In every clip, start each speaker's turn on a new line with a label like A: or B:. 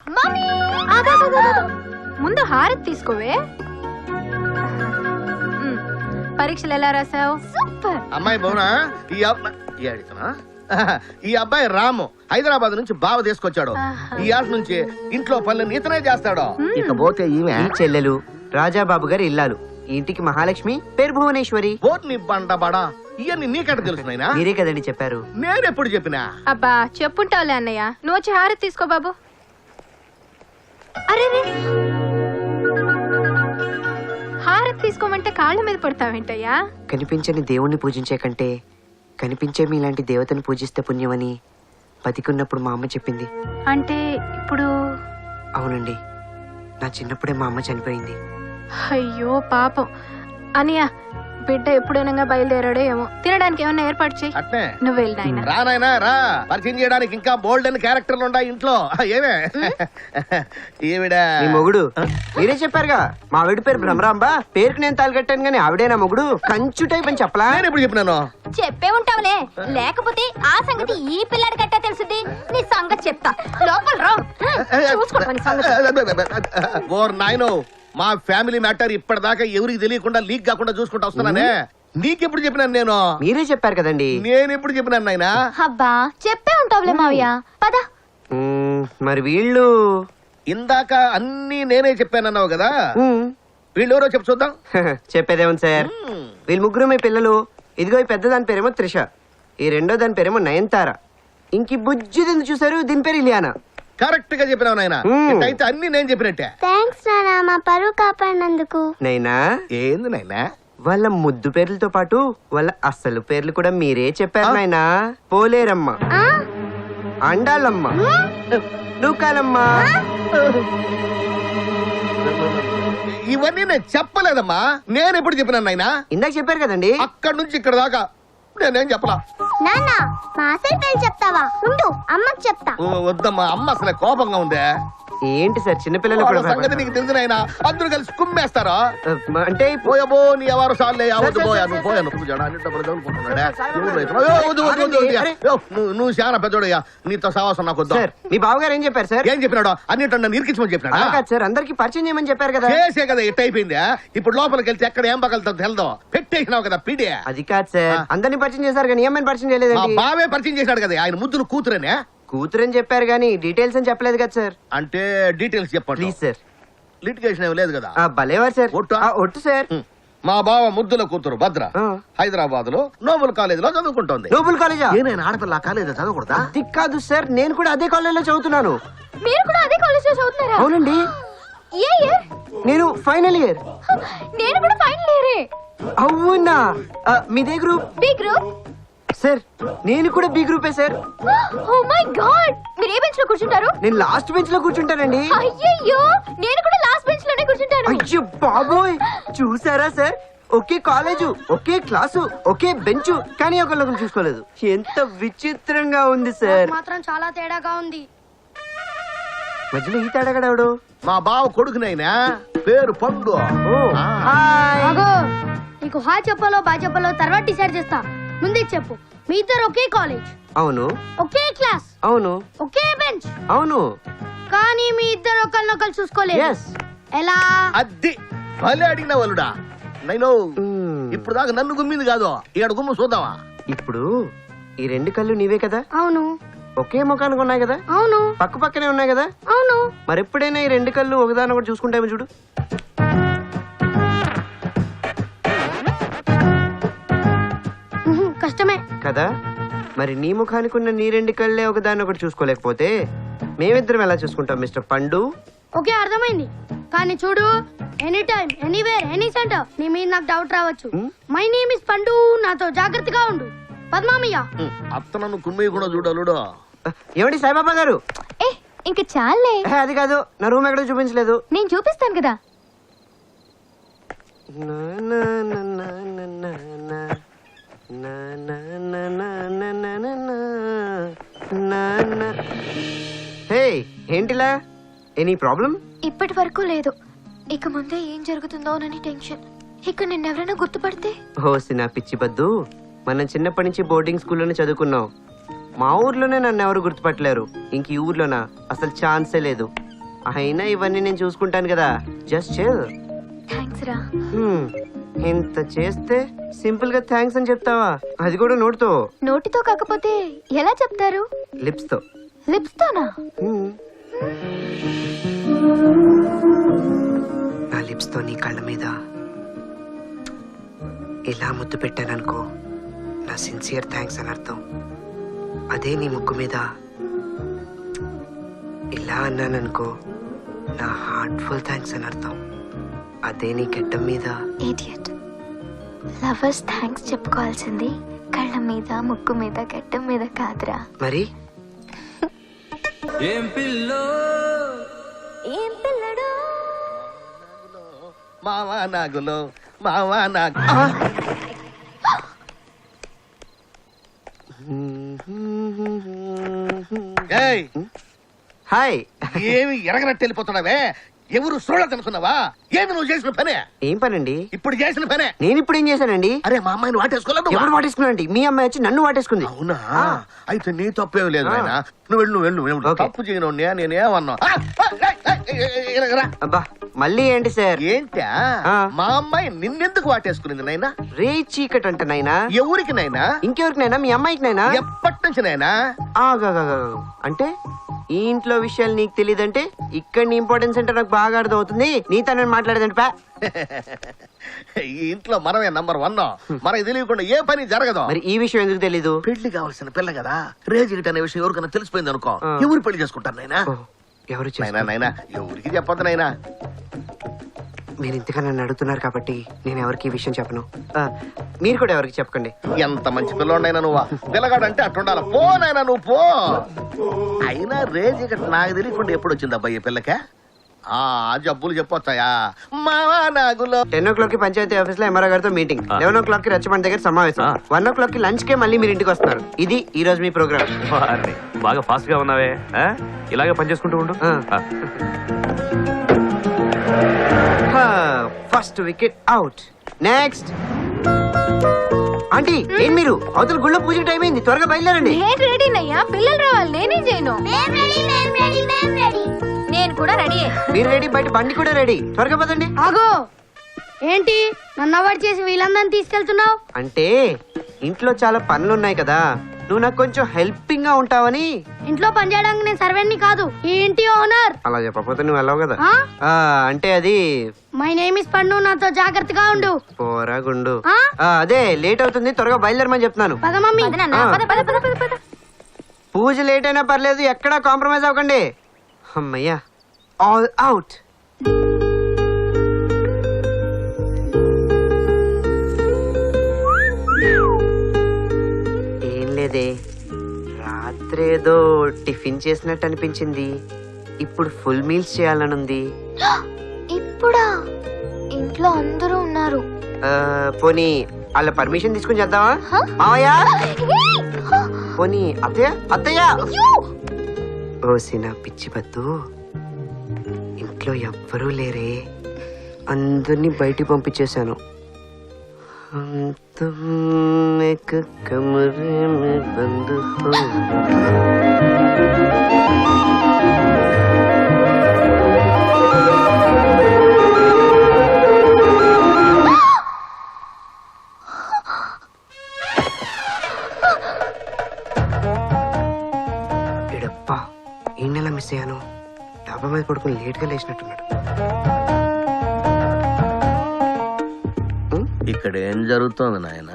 A: ముందు హారతి తీసుకోవే. పరీక్షలు ఎలా రాసావు? సూపర్.
B: అమ్మాయి బౌనా ఈ అబ్బాయి రాము హైదరాబాద్ నుంచి బావ తీసుకొచ్చాడు. ఈ ఆట నుంచి ఇంట్లో పనులు ఇతనే చేస్తాడు.
C: ఇకపోతే ఈమె చెల్లెలు రాజాబాబు గారి ఇల్లాలు. ఇంటికి మహాలక్ష్మి, పేరు భువనేశ్వరి.
B: బోట్ని బండబడా ఇవన్నీ నీకెట తెలుసునైనా?
C: మీరే కదండి చెప్పారు.
B: నేనెప్పుడు చెప్పినా?
A: అబ్బా చెప్పుంటావులే అన్నయ్య. నువ్వు వచ్చి హారతి తీసుకో బాబు. అరే హారతి తీసుకోమంటే కాళ్ళ మీద పడతావేంటయ్యా?
C: కనిపించని దేవుణ్ణి పూజించే కంటే కనిపించే మీలాంటి దేవతను పూజిస్తే పుణ్యమని బతికున్నప్పుడు మా అమ్మ చెప్పింది.
A: అంటే ఇప్పుడు?
C: అవునండి, నా చిన్నప్పుడే మా అమ్మ చనిపోయింది.
A: అయ్యో పాపం. అనియా బిడ్డ ఎప్పుడైనా బయలుదేరాడో ఏమో. తినడానికి ఏమన్నా ఏర్పాటు చేయి.
B: అట్నే
A: నువ్వు వెళ్ళినా
B: రా నాయనా రా. పరిచయం చేయడానికి ఇంకా బోల్డ్ అని క్యారెక్టర్లు ఉన్నాయి ఇంట్లో. ఏమే ఈవిడ
C: మీ మొగుడు. మీరే చెప్పారుగా మా ఆవిడ పేరు భ్రమరాంబ. పేరుకి నేను తాలికట్టాను గానీ ఆవిడే నా మొగుడు. కంచు టైప్ అని చెప్పలా?
B: నేను ఎప్పుడు చెప్పినాను?
D: చెప్పే ఉంటావులే, లేకపోతే ఆ సంగతి ఈ పిల్లాడి గట్టా తెలుసుది. నీ సంగతి చెప్తా, లోపల రా.
B: ఓర్ నాయనో, మా ఫ్యామిలీ మ్యాటర్ ఇప్పటిదాకా ఎవరికి తెలియకుండా లీక్ కాకుండా చూసుకుంటా వస్తున్నానే. నీకెప్పుడు చెప్పినాను నేను?
C: మీరే చెప్పారు కదండి.
B: నేను ఎప్పుడు చెప్పినాను నాయనా?
D: అబ్బా చెప్పే ఉంటావులే మావయ్య, పద.
C: మరి వీళ్ళు
B: ఇందాక అన్ని నేనే చెప్పానన్నావు కదా, వీళ్ళు ఎవరో చెప్పు చూద్దాం.
C: చెప్పేదేమో సార్, వీళ్ళు ముగ్గురు మీ పిల్లలు. ఇదిగో ఈ పెద్ద దాని పేరేమో త్రిష, ఈ రెండో దాని పేరేమో నయనతార, ఇంక బుజ్జిది చూసారు దీని పేరు ఇలియానా.
B: కరెక్ట్ గా చెప్పినావు నాయనా. అయితే అన్ని నేను చెప్పినట్టే.
D: థాంక్స్ నాన్న, మా పరువు కాపాడినందుకు.
C: నైనా
B: ఏంది నాయనా?
C: వాళ్ళ ముద్దు పేర్లతో పాటు వాళ్ళ అసలు పేర్లు కూడా మీరే చెప్పారు నాయనా. పోలేరమ్మ, అండాలమ్మ, నూకాలమ్మ.
B: ఇవన్నీ నేను చెప్పలేదమ్మా. నేను ఎప్పుడు చెప్పినాను నాయనా?
C: ఇందాక చెప్పారు కదండి.
B: అక్కడి నుంచి ఇక్కడ దాకా నేనేం చెప్పలా.
D: నాన్న మా అసలు పేరు చెప్తావా? ఉండు అమ్మకి చెప్తా.
B: వద్దమ్మా, అమ్మ అసలే కోపంగా ఉందే.
C: ఏంటి సార్ చిన్నపిల్లలు కూడా
B: సంగతి నీకు తెలిసిన ఆయన అందరూ కలిసి కుమ్మేస్తారా?
C: అంటే
B: పోయబో నీ ఎవరు సార్లే అవద్దు పోయా. నువ్వు పోయా, నువ్వు నువ్వు చాలా పెద్దోడయ్యా, నీతో సావాసం నాకు వద్దు.
C: మీ బావగారు ఏం చెప్పారు సార్?
B: ఏం చెప్పినాడు? అన్నిటి నన్ను ఇరికించమని చెప్పినాడు
C: సార్. అందరికి పరిచయం చేయమని చెప్పారు కదా.
B: చేసే కదా ఇట్ అయిపోయిందా. ఇప్పుడు లోపలికి వెళ్తే ఎక్కడ ఏం పగలుతుందో తెలదో. పెట్టేసినావు కదా పిడి.
C: అది కాదు సార్, అందరినీ పరిచయం చేశారు కానీ ఏమైనా పరిచయం చేయలేదండి.
B: బావే పరిచయం చేశాడు కదా, ఆయన ముద్దులు కూతురనే.
C: కూతురని చెప్పారు కానీ డీటెయిల్స్ అని చెప్పలేదు కదా సార్.
B: అంటే డీటెయిల్స్ చెప్పండి
C: ప్లీజ్ సార్.
B: లిటిగేషన్ ఏమి లేదు కదా?
C: భలేవారు సార్. ఒట్టు సార్.
B: మా బావ ముద్దుల కూతురు భద్ర హైదరాబాద్ లో నోబుల్ కాలేజ్ లో చదువుకుంటోంది.
C: నోబుల్ కాలేజా?
B: నేను ఆడపిల్ల కాలేజ్ చదవకూడదా?
C: అది కాదు సార్, నేను కూడా అదే కాలేజ్ లో చదువుతున్నాను.
D: మీరు కూడా అదే కాలేజ్ లో చదువుతున్నారా?
C: అవునండి.
D: ఏ ఇయర్?
C: నేను ఫైనల్ ఇయర్.
D: నేను కూడా ఫైనల్ ఇయరే.
C: అవునా? మీదే గ్రూప్?
D: B group
C: sir. నేను కూడా బి గ్రూపే సార్.
D: ఓ మై గాడ్, మీరు ఏ బెంచ్ లో కూర్చుంటారు?
C: నేను లాస్ట్ బెంచ్ లో కూర్చుంటానండి.
D: అయ్యయ్యో, నేను కూడా లాస్ట్ బెంచ్ లోనే కూర్చుంటాను.
C: అయ్యో బాబోయ్, చూసారా సార్, ఒకే కాలేజు, ఒకే క్లాసు, ఒకే బెంచ్, కానీ ఒకళ్ళొకరు చూసుకోలేదు. ఎంత విచిత్రంగా ఉంది సార్.
D: మాత్రం చాలా తేడాగా ఉంది.
C: మధ్యలో ఈ తేడాగాడు
B: మా బావ కొడుకునైనా పేరు పండు.
D: నీకు హాయ్ చెప్పాలో బాయ్ చెప్పాలో తర్వాత డిసైడ్ చేస్తా. ముందే చెప్పు, మీ ఇద్దరు ఒకే కాలేజ్?
C: అవును.
D: ఒకే క్లాస్?
C: అవును.
D: ఒకే బెంచ్?
C: అవును.
D: కానీ మీ ఇద్దరు ఒకళ్ళనొకళ్ళు చూసుకోలేదు. ఎలా?
B: అది భలే అడిగిన వాళ్ళుడా. నైనో ఇప్పుడు దాకా నన్ను గుమ్మింది కాదు, ఇక్కడ గుమ్ము చూద్దామా?
C: ఇప్పుడు ఈ రెండు కళ్ళు నీవే కదా?
D: అవును.
C: ఒకే ముఖానికి ఉన్నాయి కదా?
D: అవును.
C: పక్క పక్కనే ఉన్నాయి కదా?
D: అవును.
C: మరెప్పుడైనా ఈ రెండు కళ్ళు ఒకదాని ఒకటి చూసుకుంటామో చూడు.
D: కష్టమే
C: కదా. మరి నీ ముఖానికి ఉన్న నీ రెండు కళ్ళే ఒకదాన్ని ఒకటి చూసుకోలేకపోతే మేమిద్దరం ఎలా చూసుకుంటాం మిస్టర్ పండు?
D: ఓకే, అర్థమైంది. కానీ చూడు, any time anywhere any centre నీ మీద నాకు డౌట్ రావచ్చు. మై నేమ్ ఇస్ పండు, నాతో జాగ్రత్తగా ఉండు. పద్మామయ్య
B: అత్తనన్ను కుమ్మయ్య కూడా చూడాలుడు.
C: ఏమండి సాయిబాబా గారు?
A: ఇంక చాలే.
C: అది కాదు, నా రూమ్ ఎక్కడ చూపించలేదు.
A: నేను చూపిస్తాను కదా.
C: హే, ఏంటిలా? Any problem?
A: ఇప్పటి వరకు లేదు, ఇక ముందే ఏం జరుగుతుందోనని టెన్షన్. ఇక్కడ నిన్నెవరైనా గుర్తుపడితే?
C: హోసి నా పిచ్చి బద్దు, మనం చిన్నప్పటి నుంచి బోర్డింగ్ స్కూల్లోనే చదువుకున్నాం. మా ఊర్లోనే నన్ను ఎవరు గుర్తుపట్టలేరు, ఇంక ఈ ఊర్లోనా అసలు ఛాన్సే లేదు. అయినా ఇవన్నీ నేను చూసుకుంటాను కదా, జస్ట్ చిల్.
A: థ్యాంక్స్ రా.
C: ఇంత చేస్తే సింపుల్ గా థ్యాంక్స్ అని చెప్తావా? అది కూడా నోటితో?
A: నోటితో కాకపోతే ఎలా చెప్తారు?
C: లిప్స్ తో.
A: లిప్స్ తోనా?
C: నా లిప్స్ తో నీ కళ్ళ మీద ఇలా ముద్దు పెట్టాననుకో, నా సిన్సియర్ థ్యాంక్స్ అని అర్థం. అదే నీ ముక్కు మీద ఇలా అన్నాననుకో, నా హార్ట్ఫుల్ థ్యాంక్స్ అని అర్థం. అదే నీ గడ్డం మీద.
A: ఇడియట్. లవర్స్ థ్యాంక్స్ చెప్పుకోవాల్సింది కళ్ళ మీద, ముక్కు మీద, గడ్డం మీద కాదురా.
C: మరి
A: ఏం పిల్లడు?
B: మావా నాగులో మావా నాగు. ఏయ్,
C: హాయ్.
B: ఏమి ఎరగనట్టు వెళ్ళిపోతున్నావే? ఎవరు చూడదనుకున్నావా? ఏమి నువ్వు చేసిన పనే?
C: ఏం పనండి?
B: ఇప్పుడు చేసిన పనే.
C: నేను ఇప్పుడు ఏం చేశానండి?
B: అరే మా అమ్మాయిని వాటేసుకోలేదు.
C: ఎవరు వాటేసుకున్నాండి? మీ అమ్మాయి వచ్చి నన్ను వాటేసుకుంది.
B: అవునా? అయితే నీ తప్పేం లేదు నాయనా. నువ్వు వెళ్ళు.
C: ఓకే.
B: తప్పు చేయను నేనేమన్నా.
C: అబ్బా మళ్ళీ ఏంటి సార్?
B: ఏంటా? మా అమ్మాయి నిన్నెందుకు వాటేసుకునింది నాయనా?
C: రే చీకట్ అంట నాయనా.
B: ఎవరికి నాయనా?
C: ఇంకెవరికి నాయనా? మీ అమ్మాయికి నాయనా?
B: ఎప్పటి నుంచి నాయనా?
C: అంటే ఈ ఇంట్లో విషయాలు నీకు తెలియదంటే ఇక్కడ నీ ఇంపార్టెన్స్ అంటే నాకు బాగా అర్థం అవుతుంది. నీతో నేను మాట్లాడేదంటే పా.
B: ఈ ఇంట్లో మనమే నంబర్ 1. మనకి తెలియకుండా ఏ పని జరగదు.
C: మరి ఈ విషయం ఎందుకు తెలీదు?
B: పెళ్లి కావాల్సిన పిల్ల కదా, రేజిగిట్ అనే విషయం ఎవరికైనా తెలిసిపోయింది అనుకో, ఎవరు పెళ్లి చేసుకుంటారు నాయనా?
C: ఓ, ఎవరు
B: నాయనా ఎవరికి చెప్పొద్దు నాయనా.
C: మీరు ఇంతగా నన్ను అడుగుతున్నారు కాబట్టి నేను ఎవరికి ఈ విషయం చెప్పను. మీరు కూడా ఎవరికి చెప్పకండి.
B: ఎంత మంచి పిల్లోడైనా నువ్వా? పిల్లగాడంటే అట్టుండాల. పో నాయనా నువ్వు పో. అయినా రేజిగిట్ నాకు తెలియకుండా ఎప్పుడు వచ్చింది అబ్బాయి పిల్లకే? ఆ జబ్బులు చెప్పొచ్చాయా? మావా నాగులో
C: 10 o'clock కి పంచాయతీ ఆఫీస్ లో ఎంఆర్ఓ గారితో మీటింగ్, 11 o'clock కి రచ్చబండ దగ్గర సమావేశం, 1 o'clock కి లంచ్ కే మళ్ళీ మీరు ఇంటికి వస్తున్నారు. ఇది ఈ రోజు మీ ప్రోగ్రామ్.
E: బాగా ఫాస్ట్ గా ఉన్నావే, ఇలాగే పని చేసుకుంటూ ఉండు.
C: First wicket out. Next aunty, ఏం మీరు అవతల గుళ్ళో పూజకి టైం అయింది, త్వరగా బయలుదేరండి.
A: నేను రెడీనయ్యా, పిల్లలు రావాలి, నేనేం చేయను. నేను కూడా రెడీ.
C: మీరు రెడీ, బయట బండి కూడా రెడీ, త్వరగా పదండి.
D: ఆగో, ఏంటి నన్ను అవాయిడ్ చేసి వీళ్ళందరినీ తీసుకెళ్తున్నావు?
C: అంటే ఇంట్లో చాలా పనులు ఉన్నాయి కదా, నువ్వు నాకు కొంచెం హెల్పింగ్ గా ఉంటావని.
D: ఇంట్లో పని చేయడానికి నేను సర్వెంట్ని కాదు, ఈ ఇంటి ఓనర్.
C: అలా చెప్పకపోతే నువ్వు వెళ్ళవు కదా. అంటే అది
D: మై నేమ్ ఇస్ పండు, నాతో జాగ్రత్తగా ఉండు.
C: పోరా గుండు.
D: ఆ?
C: అదే లేట్ అవుతుంది, త్వరగా బయలుదేరమని చెప్తున్నాను.
D: పద మమ్మీ.
C: పూజ లేట్ అయినా పర్లేదు, ఎక్కడా కాంప్రమైజ్ అవ్వకండి. అమ్మయ్యా, ఆల్ అవుట్. ఏం లేదే, రాత్రేదో టిఫిన్ చేసినట్టు అనిపించింది, ఇప్పుడు ఫుల్ మీల్స్ చేయాలనుంది.
A: ఇప్పుడా? ఇంట్లో అందరూ ఉన్నారు.
C: పోనీ వాళ్ళ పర్మిషన్ తీసుకుని చేద్దామా? మావయ్య, పోనీ అత్తయ్య, అత్తయ్య. ఓసిన పిచ్చి పద్దు, ఇంట్లో ఎవ్వరూ లేరే, అందరినీ బయటికి పంపించేశాను. ఎడప్పా, ఈ నెల మిస్ అయ్యాను. డాబా మీద పడుకుని లేట్ గా లేచినట్టున్నాడు.
B: ఇక్కడ ఏం జరుగుతోంది నాయన?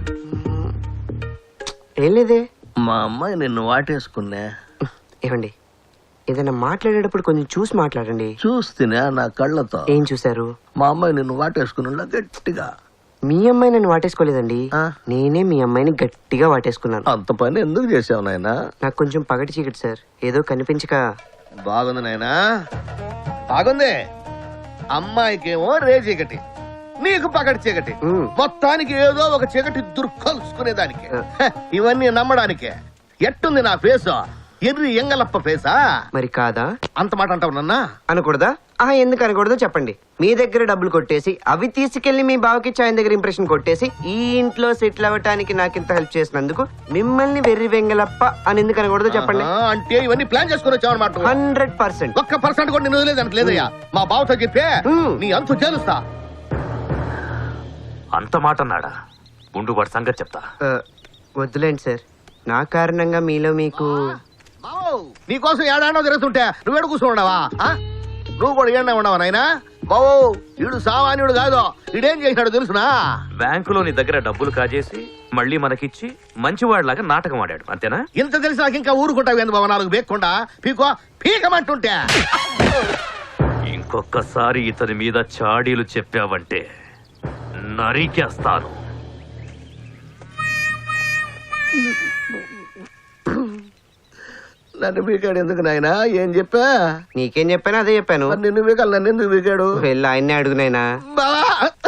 C: ఏం లేదే.
B: మా అమ్మాయి నిన్ను వాటేసుకున్నా.
C: ఏమండి, ఏదైనా మాట్లాడేటప్పుడు కొంచెం చూసి మాట్లాడండి.
B: చూస్తేనే నా కళ్ళతో.
C: ఏం చూసారు?
B: మా అమ్మాయి నిన్ను వాటేసుకున్నా గట్టిగా.
C: మీ అమ్మాయి నన్ను వాటేసుకోలేదండి,
B: ఆ?
C: నేనే మీ అమ్మాయిని గట్టిగా వాటేసుకున్నాను.
B: అంత పని ఎందుకు చేసావు నాయనా?
C: నాకు కొంచెం పగటి చీకటి సార్, ఏదో కనిపించక.
B: బాగుంది నాయనా, బాగుంది. అమ్మాయికేమో రే చీకటి, నీకు పగటి చీకటి. మొత్తానికి ఏదో ఒక చీకటి దుర్కలుసుకునేదానికి. ఇవన్నీ నమ్మడానికే. ఎట్టుంది నా ఫేసు? ఎర్రి ఎంగలప్ప ఫేసా?
C: మరి కాదా?
B: అంత మాట అంటావు నన్నా?
C: అనకూడదా? ఎందుకు అనకూడదో చెప్పండి. మీ దగ్గర డబ్బులు కొట్టేసి అవి తీసుకెళ్లి మీ బావకిచ్చి ఆయన దగ్గర ఇంప్రెషన్ కొట్టేసి ఈ ఇంట్లో సెటిల్ అవ్వటానికి నాకింత హెల్ప్ చేసినందుకు మిమ్మల్ని వెర్రి వెంగలప్ప అని ఎందుకు అనకూడదో చెప్పండి.
B: అంటే ఇవన్నీ ప్లాన్ చేసుకుని వచ్చావన్నమాట.
C: 100%.
B: 1% కూడా నేను వదిలేదు లేదయ్యా. మా బావతో చెప్పే నీ అంతు చేలుస్తా.
E: అంత మాట అన్నాడా? ఉండు వాడి సంగతి చెప్తా.
C: వద్దులేండి సార్, నా కారణంగా మీలో మీకు
B: బావు, నీకోసం ఏడాడో తిరుగుతుంటే నువ్వేడు కూర్చున్నావా? నువ్వు కూడా ఏడా ఉండవా నాయనా? బావు, వీడు సామాన్యుడు కాదు. వీడేం చేసినాడు తెలుసునా?
E: బ్యాంకులో నీ దగ్గర డబ్బులు కాజేసి మళ్ళీ మనకిచ్చి మంచివాడిలాగా నాటకం ఆడాడు, అంతేనా?
B: ఇంత తెలిసి నాకు ఇంకా ఊరుకుంటావు ఏంది బావ? 4 బేక్కుండా పీకమంటుంటే.
E: ఇంకొకసారి ఇతని మీద చాడీలు చెప్పావంటే నరికేస్తాను.
B: నన్ను పీకాడు ఎందుకు నాయనా? ఏం చెప్పా?
C: నీకేం చెప్పాను అదే చెప్పాను.
B: మరి నిన్ను పీకాలి, నన్ను ఎందుకు పీకాడు?
C: వెళ్ళి ఆయన్నే అడుగునైనా.
B: బావా,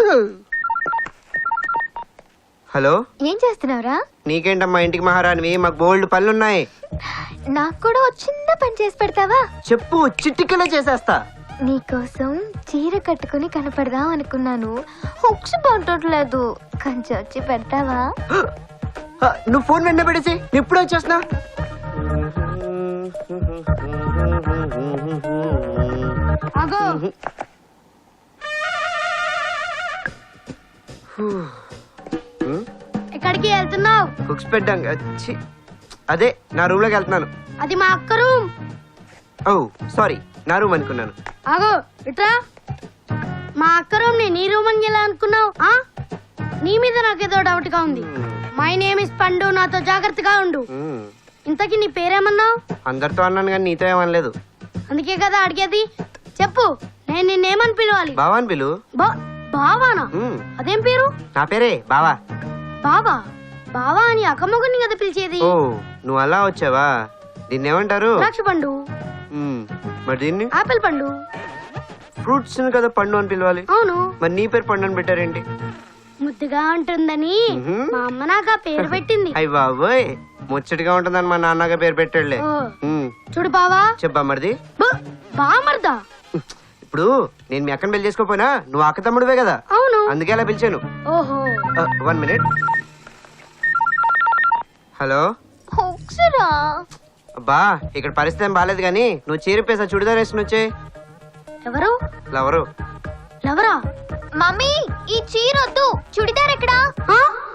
C: హలో,
A: ఏం చేస్తున్నావురా?
C: నీకేంటమ్మా ఇంటికి మహారాణివి, మాకు బోల్డ్ పనులున్నాయి.
A: నాకు కూడా ఒక చిన్న పని చేసి పెడతావా?
C: చెప్పు, చిట్టికలో చేసేస్తా.
A: నీకోసం చీర కట్టుకుని కనపడదాం అనుకున్నాను. హుక్స్ బాగుంటట్లేదు, కొంచెం వచ్చి పెడతావా?
C: నువ్వు ఫోన్ వెంట పెడేసి ఎప్పుడు వచ్చేస్తున్నా.
D: ఆగో. ఎక్కడికి వెళ్తున్నావు?
C: హుక్స్ పెట్టాం. అదే నా రూమ్ లోకి వెళ్తున్నాను.
D: అది మా అక్క రూమ్.
C: ఓ సారీ, నా రూమ్ అనుకున్నాను.
D: ఆగో ఇట్రా. మా అక్క రూమ్ ని నీ రూమ్ అని ఎలా అనుకున్నావు? నీ మీద నాకేదో డౌట్ గా ఉంది. మై నేమ్ ఇస్ పండు, నాతో జాగ్రత్తగా ఉండు. ఇంతకీ నీ పేరేమన్నావు?
C: అందరితో అన్నాను కానీ నీతో ఏమనలేదు.
D: అందుకే కదా అడిగేది. చెప్పు, నేను నిన్నేమని పిలవాలి?
C: బావా అని పిలు.
D: బావానా? అదేం పేరు?
C: నా పేరే బావా.
D: బావా? బావా అని అక్కమ్మగుని కదా పిలిచేది.
C: ఓ, నువ్వు అలా వచ్చావా? దీన్ని ఏమంటారు?
D: ద్రాక్ష పండు.
C: మరి దీన్ని
D: ఆపిల్ పండు.
C: ఫ్రూట్స్ కదా పండు అని పిలవాలి.
D: అవును.
C: మరి నీ పేరు పండు అని పెట్టారేంటి?
D: ముద్దుగా ఉంటుందని మా అమ్మ నాకు ఆ పేరు పెట్టింది.
C: అయ్య బాబోయ్, ముచ్చటిగా ఉంటుందని మా నాన్నగా పేరు పెట్టాడులే.
D: చూడు బావా.
C: చెప్పా మరిది.
D: బామర్దా?
C: ఇప్పుడు నేను మీ అక్కని పెళ్లి చేసుకోపోయినా నువ్వు అక్క తమ్ముడువే కదా.
D: అవును.
C: అందుకే అలా పిలిచాను.
D: ఓహో.
C: 1 మినిట్. హలో. అబ్బా, ఇక్కడ పరిస్థితి ఏం బాలేదు కానీ నువ్వు చీరిపేసా చుడిదార్ వేసుకుని వచ్చే.
D: ఎవరు?
C: లవరు.
D: లవరా?
A: మమ్మీ, ఈ చీర వద్దు, చుడిదార్ ఎక్కడా?